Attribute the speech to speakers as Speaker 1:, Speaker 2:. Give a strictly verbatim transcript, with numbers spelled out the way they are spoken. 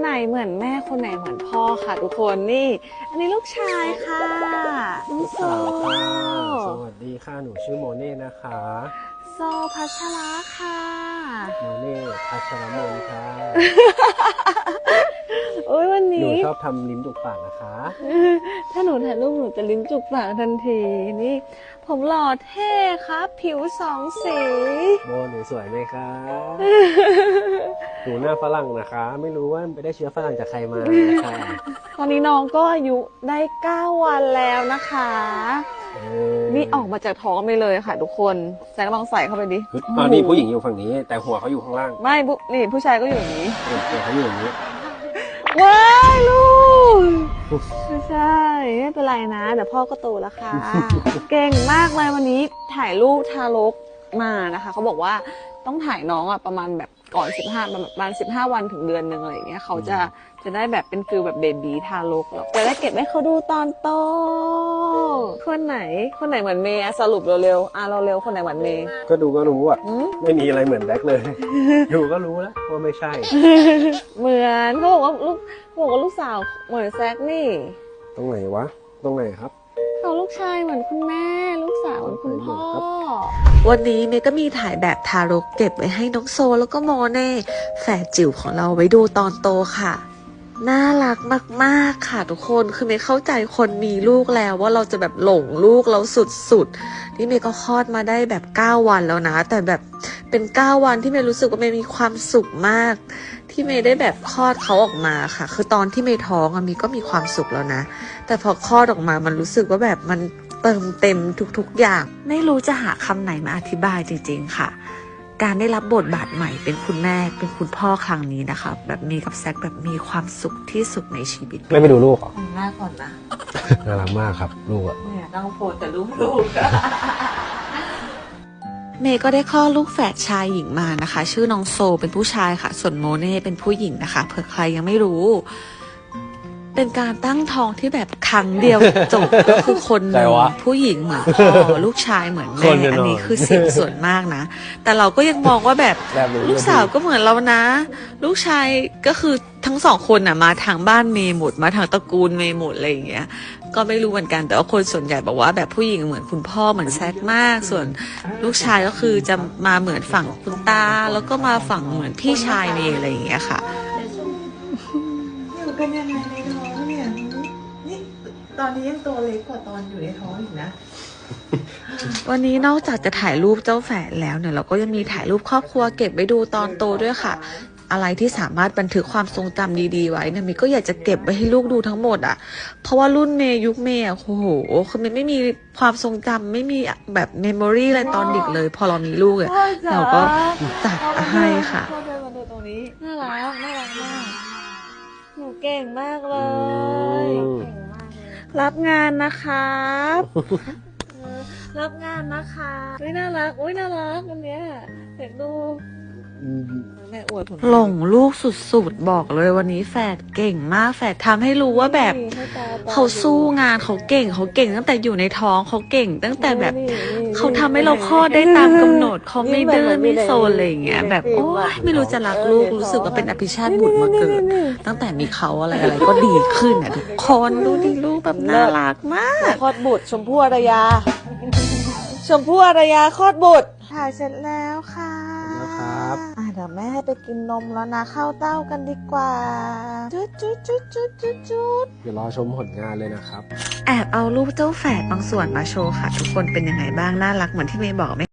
Speaker 1: ไหนเหมือนแม่คนไหนเหมือนพ่อค่ะทุกคนนี่อันนี้ลูกชายค่ะน้องโซ
Speaker 2: สวัสดีค่ะหนูชื่อโมเน่นะคะ
Speaker 1: โซพัชระค่ะ
Speaker 2: โมเน่พัชรมนค่ะ
Speaker 1: โอ้ยวัน
Speaker 2: หนู
Speaker 1: นี้
Speaker 2: ชอบทำลิ้นจุกปากนะคะ
Speaker 1: ถ้าหนูถ่ายรูปหนูจะลิ้นจุกปากทันทีนี่ผมหล่อเท่ครับ ผิวสองสี
Speaker 2: โมหนูสวยไหมคะหนูหน้าฝรั่งนะคะ ไม่รู้ว่าไปได้เชื้อฝรั่งจากใครมานะคะ
Speaker 1: ตอนนี้น้องก็อายุได้เก้าวันแล้วนะคะ
Speaker 2: เออ
Speaker 1: นี่ออกมาจากท้องไปเลยค่ะทุกคนแซงลองใส่เข้าไปดิ
Speaker 2: ตอนนี้ผู้หญิงอยู่ฝั่งนี้ แต่หัวเขาอยู่ข้างล่าง
Speaker 1: ไม่ผู้นี่ผู้ชายก็อยู่อย่างนี้
Speaker 2: หัวเขาอยู่อย่างนี้
Speaker 1: ว้ายลูกไม่ใช่ไม่เป็นไรนะเดี๋ยวพ่อก็โตแล้วค่ะ เก่งมากเลยวันนี้ถ่ายรูปทารกมานะคะเขาบอกว่าต้องถ่ายน้องอ่ะประมาณแบบก่อนสิบห้าประมาณสิบห้าวันถึงเดือนหนึ่งอะไรอย่างเงี้ยเขาจะจะได้แบบเป็นฟิลแบบเบบีทารกแล้วจะได้เก็บให้เขาดูตอนโตคนไหนคนไหนเหมือนเมย์อะสรุปเร็วๆอ่ะเราเร็วคนไหนเหมือนเมย์
Speaker 2: ก็ดูก็รู้อ่ะ
Speaker 1: หืม
Speaker 2: ไม่มีอะไรเหมือนแบ็คเลย ดูก็รู้แล้วว่าไม่ใช่
Speaker 1: เหมือนเขาบอกว่าลูกเขาบอกว่าลูกสาวเหมือนแซกนี่
Speaker 2: ตรงไหนวะ ตรงไหนครับ
Speaker 1: เขาลูกชายเหมือนคุณแม่ ลูกสาวเหมือนคุณพ่อ
Speaker 3: วันนี้เมย์ก็มีถ่ายแบบทารกเก็บไว้ให้น้องโซแล้วก็โมเน่แฝดจิ๋วของเราไว้ดูตอนโตค่ะ น่ารักมากๆค่ะทุกคนคือเมย์เข้าใจคนมีลูกแล้วว่าเราจะแบบหลงลูกเราสุดๆนี่เมย์ก็คลอดมาได้แบบเก้าวันแล้วนะ แต่แบบเป็นเก้าวันที่เมย์รู้สึกว่าเมย์มีความสุขมาก ที่เมย์ได้แบบคลอดเขาออกมาค่ะ คือตอนที่เมย์ท้องอะเมย์ก็มีความสุขแล้วนะ แต่พอคลอดออกมามันรู้สึกว่าแบบมันเติมเต็มทุกๆอย่าง ไม่รู้จะหาคำไหนมาอธิบายจริงๆค่ะ การได้รับบทบาทใหม่เป็นคุณแม่เป็นคุณพ่อครั้งนี้นะคะแบบเมย์กับแซคแบบมีความสุขที่สุดในชีวิต
Speaker 2: ไม่ไปดูลูกเหรอ
Speaker 1: หน้าก่อนนะ
Speaker 2: น่ารักมากครับลูกอ่ะ
Speaker 1: เนี่ยนั่งโพสแต่ลูกลูก
Speaker 3: เมย์ก็ได้คลอดลูกแฝดชายหญิงมานะคะ ชื่อน้องโซเป็นผู้ชายค่ะ ส่วนโมเน่เป็นผู้หญิงนะคะเผื่อใครยังไม่รู้ เป็นการตั้งท้องที่แบบครั้งเดียวจบ ก็คือคนหนึ่งผู้หญิงเหมือนพ่อลูกชายเหมือนแม่อันนี้คือเสียงส่วนมากนะ แต่เราก็ยังมองว่าแบบ
Speaker 2: แบบนี้
Speaker 3: ลูกสาวก็เหมือนเรานะ ลูกชายก็คือทั้งสองคนน่ะมาทางบ้านเมย์หมดมาทางตระกูลเมย์หมดอะไรอย่างเงี้ย ก็ไม่รู้เหมือนกันแต่ว่าคนส่วนใหญ่บอกว่าแบบผู้หญิงเหมือนคุณพ่อเหมือนแซกมาก ส่วนลูกชายก็คือจะมาเหมือนฝั่งคุณตาแล้วก็มาฝั่งเหมือนพี่ชายเมย์อะไรอย่างเงี้ยค่ะ
Speaker 4: อยู่กันยังไงในท้องเนี่ยนี่ตอนนี้ยังตัวเล็กกว่าตอนอยู่ในท้องอีกนะ
Speaker 3: วันนี้นอกจากจะถ่ายรูปเจ้าแฝดแล้วเนี่ยเราก็ยังมีถ่ายรูปครอบครัวเก็บไว้ดูตอนโตด้วยค่ะ อะไรที่สามารถบันทึกความทรงจำดีๆไว้เนี่ยเมย์ก็อยากจะเก็บไว้ให้ลูกดูทั้งหมดอ่ะเพราะว่ารุ่นเมย์ยุคเมย์อ่ะโอ้โหคือเมย์ไม่มีความทรงจำไม่มีแบบเมมโมรีอะไรตอนเด็กเลย พอเรามีลูกอ่ะเราก็จัดให้ค่ะ
Speaker 1: พ่อเดินมาดูตรงนี้น่ารักน่ารักมากหนูเก่งมากเลย
Speaker 2: อืม
Speaker 1: รับงานนะครับเออรับงานนะคะอุ้ยน่ารักอุ้ยน่ารักอันเนี้ยเด็กดูแม่อวดผม
Speaker 3: หลงลูกสุดๆบอกเลยวันนี้แฝดเก่งมากแฝดทำให้รู้ว่าแบบเขาสู้งานเขาเก่งเขาเก่งตั้งแต่อยู่ในท้องเขาเก่ง ตั้งแต่แบบเขาทำให้เราคลอดได้ตามกำหนดเขาไม่ดื้อไม่โซนอะไรอย่างเงี้ยแบบโอ๊ยไม่รู้จะรักลูกรู้สึกว่าเป็นอภิชาติบุตรมาเกิด ตั้งแต่มีเขาอะไรอะไรก็ดีขึ้นอ่ะทุกคนดูดิลูกแบบน่ารักมาก
Speaker 1: คลอดบุตรชมพู่อารยา ชมพู่อารยาคลอดบุตรถ่ายเสร็จแล้วค่ะ
Speaker 2: นะครับ
Speaker 1: อ่ะเดี๋ยวแม่ให้ไปกินนมแล้วนะเข้าเต้ากันดีกว่าจุดจุดจุดจุดจุดจุด
Speaker 2: เดี๋ยวรอชมผลงานเลยนะครับ
Speaker 3: แอบเอารูปเจ้าแฝดบางส่วนมาโชว์ค่ะ ทุกคนเป็นยังไงบ้างน่ารักเหมือนที่เมย์บอกไหม